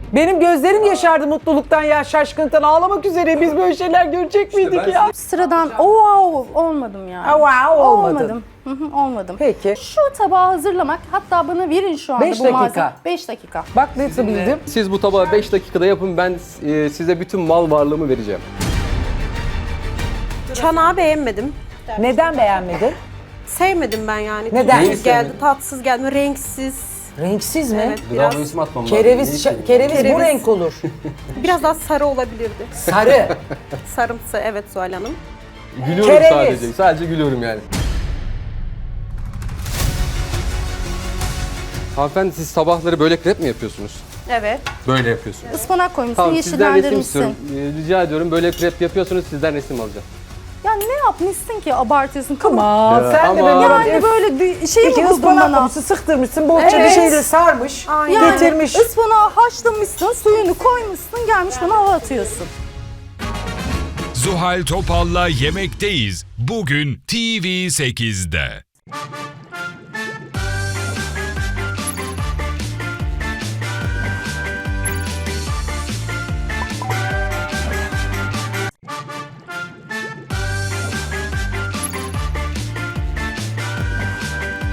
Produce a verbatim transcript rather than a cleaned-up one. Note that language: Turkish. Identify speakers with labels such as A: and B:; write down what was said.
A: Benim gözlerim yaşardı mutluluktan ya, şaşkınlıktan ağlamak üzereyim. Biz böyle şeyler görecek miydik
B: ben
A: ya?
C: Sıradan wow olmadım yani.
A: Ha, wow olmadın.
C: Olmadım. Hı hı, olmadım.
A: Peki.
C: Şu tabağı hazırlamak, hatta bana verin şu anda
A: Beş
C: bu
A: dakika.
C: malzeme. beş dakika.
A: Bak nasıl bildim.
B: Siz bu tabağı beş dakikada yapın, ben e, size bütün mal varlığımı vereceğim.
D: Çanağı beğenmedim.
A: Neden beğenmedin?
D: Sevmedim ben yani.
A: Neden?
D: Tuzsuz geldi, tatsız geldi, renksiz.
A: Renksiz mi?
D: Evet,
B: Gıda
D: biraz,
B: boyası atmam lazım.
A: Kereviz,
B: Neyse.
A: şa- kereviz, bu
D: Kereviz.
A: renk olur.
D: biraz daha sarı olabilirdi.
A: Sarı.
D: Sarımsı, evet Zuhal Hanım.
B: Gülüyorum
A: Kereviz.
B: sadece. Sadece gülüyorum yani. Hanımefendi, siz sabahları böyle krep mi yapıyorsunuz?
D: Evet.
B: Böyle yapıyorsunuz.
C: Ispanak koymuşsun,
B: Tamam, sizden resim istiyorum.
C: yeşillendirmişsin.
B: Ee, rica ediyorum, böyle krep yapıyorsunuz, sizden resim alacağım.
C: Ya ne yapmışsın ki abartıyorsun? Kıvır.
A: Aman
B: Ya,
A: sen de
B: ama-
A: böyle
C: Yani böyle dü- şey
A: İki
C: mi buldun
A: ıspanak
C: bana?
A: koymuşsun, sıktırmışsın, bohça bir
C: Evet.
A: şeyle sarmış,
D: Aynen.
A: getirmiş.
C: Ispanağı haşlamışsın, suyunu koymuşsun, gelmiş bana hava atıyorsun.
E: Zuhal Topal'la Yemekteyiz. Bugün T V sekizde.